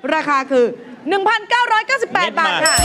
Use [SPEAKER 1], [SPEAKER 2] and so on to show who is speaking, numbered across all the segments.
[SPEAKER 1] ราคาคือ 1,998 บาทค่ะ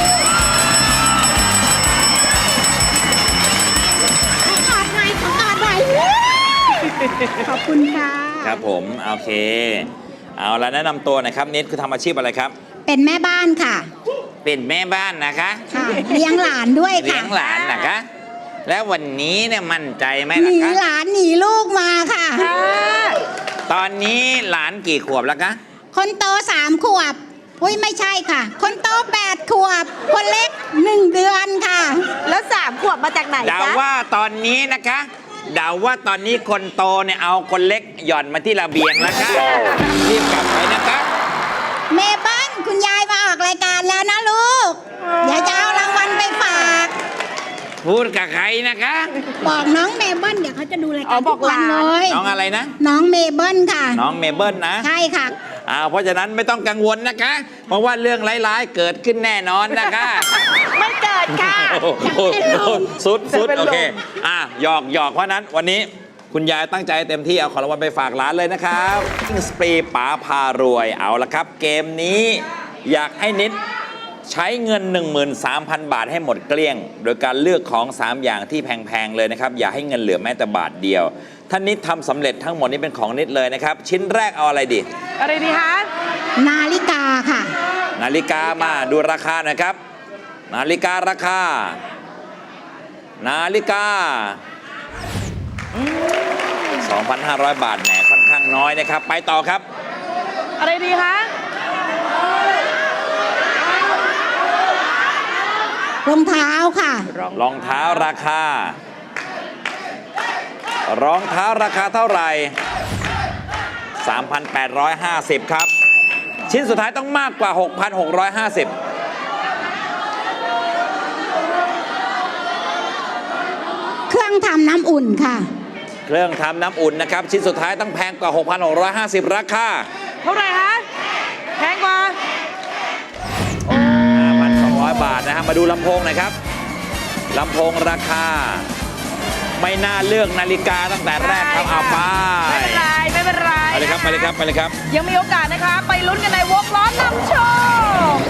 [SPEAKER 2] ขอบคุณค่ะ
[SPEAKER 3] ครับผมโอเคเอาละแนะนำตัวหน่อยครับนิดคือทำอาชีพอะไรครับ
[SPEAKER 2] เป็นแม่บ้านค่ะ
[SPEAKER 3] เป็นแม่บ้านนะคะ
[SPEAKER 2] ค่ะ เลี้ยงหลานด้วย
[SPEAKER 3] เลี้
[SPEAKER 2] ค่ะ
[SPEAKER 3] ยงหลานนะคะ แล้ววันนี้เนี่ยมั่นใจไหม
[SPEAKER 2] ห
[SPEAKER 3] ล่ะ
[SPEAKER 2] นี
[SPEAKER 3] คะ
[SPEAKER 2] หลานหนีลูกมาค่ะ
[SPEAKER 3] ตอนนี้หลานกี่ขวบแล้วคะ
[SPEAKER 2] คนโต3 ขวบ อุ้ยไม่ใช่ค่ะ คนโต8 ขวบ คนเล็ก1 เดือนค่ะ
[SPEAKER 1] แล้ว3 ขวบมาจากไหน
[SPEAKER 3] เดา
[SPEAKER 1] จ๊ะ
[SPEAKER 3] ว่าตอนนี้นะคะเดาว่าตอนนี้คนโตเนี่ยเอาคนเล็กหย่อนมาที่ระเบียงแล้วค่ะรีบกลับไปนะคะ
[SPEAKER 2] เมเปิ้ลคุณยายมาออกรายการแล้วนะลูก เดี๋ยวจะเอารางวัลไปฝาก
[SPEAKER 3] พูดกับใครนะคะ
[SPEAKER 2] บอกน้องเมเปิ้ลเดี๋ยวเขาจะดูราย
[SPEAKER 1] อ๋
[SPEAKER 2] กา
[SPEAKER 1] อ
[SPEAKER 2] ร
[SPEAKER 1] บ
[SPEAKER 2] ทุ
[SPEAKER 1] อก
[SPEAKER 2] กวัน
[SPEAKER 1] หลาน
[SPEAKER 2] เลย
[SPEAKER 3] น้องอะไรนะ
[SPEAKER 2] น้องเมเปิ้ลค่ะ
[SPEAKER 3] น้องเมเบิลนะ
[SPEAKER 2] ใช่ค่ะ
[SPEAKER 3] เพราะฉะนั้นไม่ต้องกังวลนะคะ เพราะว่าเรื่องร้ายๆเกิดขึ้นแน่นอนนะคะ
[SPEAKER 1] ไม่เกิดค่ะ
[SPEAKER 3] โอ้โหสุด
[SPEAKER 1] จะเป็นลม
[SPEAKER 3] โอเคหยอกเพราะนั้นวันนี้คุณยายตั้งใจเต็มที่เอาของรางวัลไปฝากร้านเลยนะครับกิ้งสปรีป๋าพารวยเอาละครับ เกมนี้อยากให้นิดใช้เงิน 13,000 บาทให้หมดเกลี้ยง โดยการเลือกของ 3 อย่างที่แพงๆเลยนะครับอย่าให้เงินเหลือแม้แต่บาทเดียวท่านนิดทำสำเร็จทั้งหมดนี้เป็นของนิดเลยนะครับชิ้นแรกเอาอะไรดี
[SPEAKER 1] อะไรดีคะ
[SPEAKER 2] นาฬิกาค่ะ
[SPEAKER 3] นาฬิกามาดูราคาหน่อยครับ นาฬิการาคา นาฬิกา 2,500 บาทแหมค่อนข้างน้อยนะครับ ไปต่อครับ
[SPEAKER 1] อะไรดีคะ
[SPEAKER 2] รองเท้าค่ะ
[SPEAKER 3] รองเท้าราคา รองเท้าราคาเท่าไหร่ 3,850 ครับ ชิ้นสุดท้ายต้องมากกว่า 6,650
[SPEAKER 2] เครื่องทำน้ำอุ่นค่ะ
[SPEAKER 3] เครื่องทำน้ำอุ่นนะครับ ชิ้นสุดท้ายต้องแพงกว่า 6,650 ราคา
[SPEAKER 1] เท่าไหร่คะแพงกว่า
[SPEAKER 3] 5,200 บาทนะฮะมาดูลำโพงหน่อยครับลำโพงราคา ไม่น่าเลือกนาฬิกาตั้งแต่แรกครับเอาไป
[SPEAKER 1] ไม่เป็นไรไม่เป็นไร
[SPEAKER 3] ไปเลยครับไปเลยครับไปเลยครับ
[SPEAKER 1] ยังมีโอกาสนะคะ ไปลุ้นกันในวงล้อนำโชค